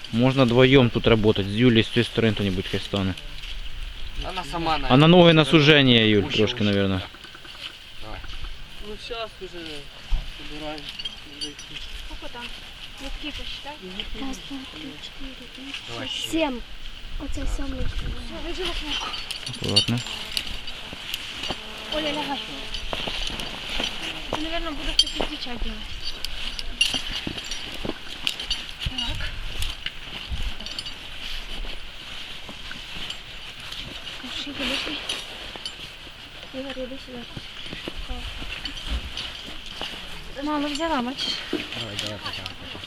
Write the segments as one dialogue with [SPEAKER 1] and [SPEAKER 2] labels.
[SPEAKER 1] Можно вдвоем тут работать. С Юлей с той стороны кто-нибудь хай стане.
[SPEAKER 2] Она сама, наверное.
[SPEAKER 1] А на ноги на сужение, Юль, трошки, наверное.
[SPEAKER 2] Ну сейчас уже собираем.
[SPEAKER 3] Сколько там? Литки посчитай.
[SPEAKER 4] Раз, два, три, четыре, пять,
[SPEAKER 2] Давай,
[SPEAKER 4] шесть, 7. Оце 7.
[SPEAKER 3] Все, лежи в окно.
[SPEAKER 1] Аккуратно.
[SPEAKER 3] Оля, лягай. Это, наверное, буду кто-то кричать делать. Так. Пошли, подошли. Игорь, иди сюда. Мало взяла, бачиш?
[SPEAKER 2] Давай, давай, пока.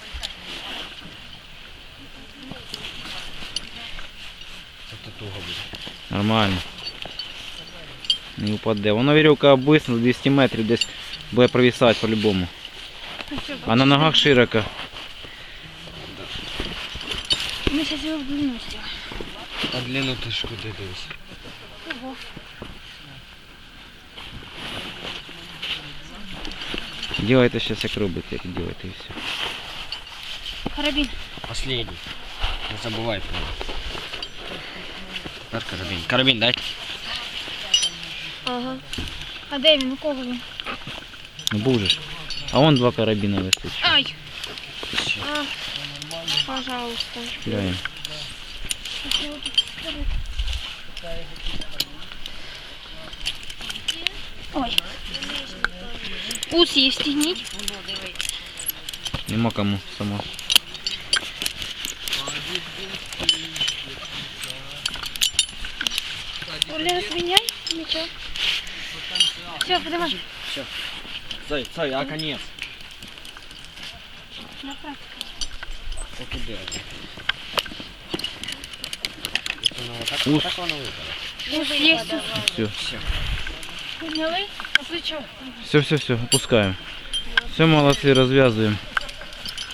[SPEAKER 2] Это туго будет.
[SPEAKER 1] Нормально. Не упаде. Воно вірьовка обвисне, 200 метрів десь буде провисати по-любому. А на ногах широко.
[SPEAKER 3] Мы сейчас его в длину сделаем.
[SPEAKER 2] А длину ты ж куди дивись?
[SPEAKER 3] Ого.
[SPEAKER 1] Делайте сейчас як робите, як делайте і все.
[SPEAKER 3] Карабин.
[SPEAKER 2] Последний. Не забывай про него. Наш карабин. Карабин дайте.
[SPEAKER 3] Ага. А де він? У кого він?
[SPEAKER 1] Ну будеш. А вон два карабіна висить.
[SPEAKER 3] Ай! А, пожалуйста.
[SPEAKER 1] Глянь.
[SPEAKER 3] Ой. Ус її встігніть.
[SPEAKER 1] Нема кому сама.
[SPEAKER 3] Оля, звиняй. Нічого. Все, подавай.
[SPEAKER 2] Стой, а конец?
[SPEAKER 3] Направь.
[SPEAKER 2] Вот туда.
[SPEAKER 1] Ус.
[SPEAKER 2] Так воно випало.
[SPEAKER 3] Ус є.
[SPEAKER 1] Все.
[SPEAKER 3] Зняли? А плечо?
[SPEAKER 1] Все, опускаем. Все, молодцы, развязываем.